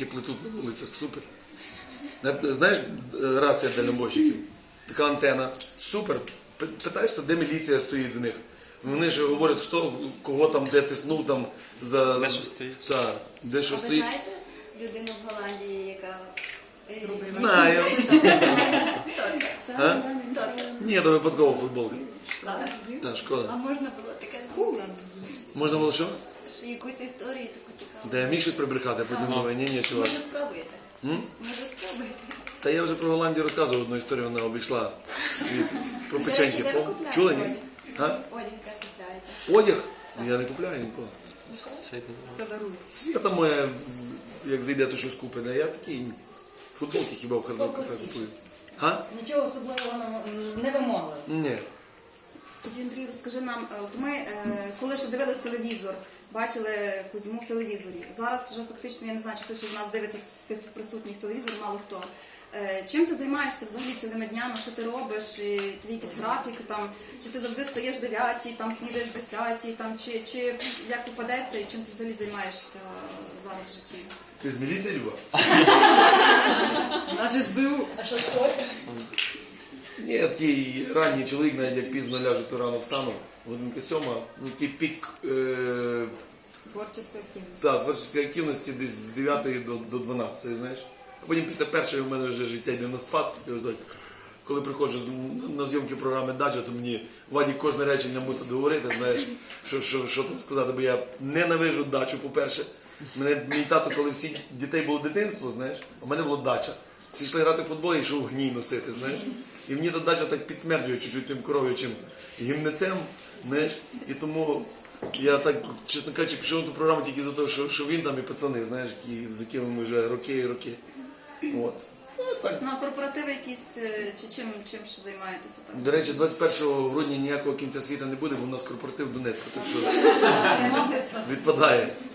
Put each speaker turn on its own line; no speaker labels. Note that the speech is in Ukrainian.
плетуть на вулицях, супер. Знаєш, рація дальнобойщиків, така антена, супер. Питаєшся, де міліція стоїть в них. Вони ж говорять, хто, кого там, де тиснув, там, за...
Де що стоїть.
Так, де що стоїть.
А ви знаєте людину в Голландії, яка...
Знаю. А?
Хто це?
Ні, то випадково футболка.
Ладно.
Так, шкода.
А можна було таке розказати?
Можна було що?
Що якусь історію таку цікаву?
Та я міг щось прибрехати, а потім думаю, ні, чувак.
Може спробуєте? Може спробуєте?
Та я вже про Голландію розказував одну історію, вона обійшла світ. Про
До
печеньки.
речі, де ви купляєте
Чули, ні?
одяг?
А?
Одяг де купляєте?
Одяг? Я не купляю нікого.
Все дарують.
Свята моя, як зайде, то щось купить. А я такий, футболки хіба в хардок кафе купую. А?
Нічого особливого не вимогли.
Ні.
Тоді, Андрій, розкажи нам, от ми, коли ще дивились телевізор, бачили Кузьму в телевізорі. Зараз вже фактично, я не знаю, чи хтось із нас дивиться з тих присутніх телевізор, мало хто. Чим ти займаєшся взагалі цілими днями, що ти робиш, і твій якийсь графік, там, чи ти завжди стаєш 9, там, снідаєш 10, там, чи як попадеться, і чим ти взагалі займаєшся зараз в житті?
Ти з міліції, Люба?
Нас СБУ. А що стоїть?
Ні, я такий ранній чоловік, навіть як пізно ляжу, то рано встану. Годинка 7, ну такий пік
Творчої активності.
творчої активності десь з 9 до 12, знаєш. А потім після першої в мене вже життя йде на спад. Я вже так, коли приходжу на зйомки програми «Дача», то мені Вадік кожне речення мусить говорити, знаєш, що там сказати, бо я ненавижу дачу, по-перше. Мій тато, коли всі дітей було дитинство, знаєш, а в мене було дача. Всі йшли грати в футбол, я йшов гній носити, знаєш. І мені та дача так підсмерджує чуть-чуть тим коров'ячим гімнецем, знаєш. І тому я так, чесно кажучи, пішов на ту програму тільки за те, що він там і пацани, знаєш, з якими ми вже роки і роки. От. Так.
Ну, а корпоративи якісь, чи чим ще займаєтеся так?
До речі, 21 грудня ніякого кінця світу не буде, бо у нас корпоратив в Донецьку, так що відпадає.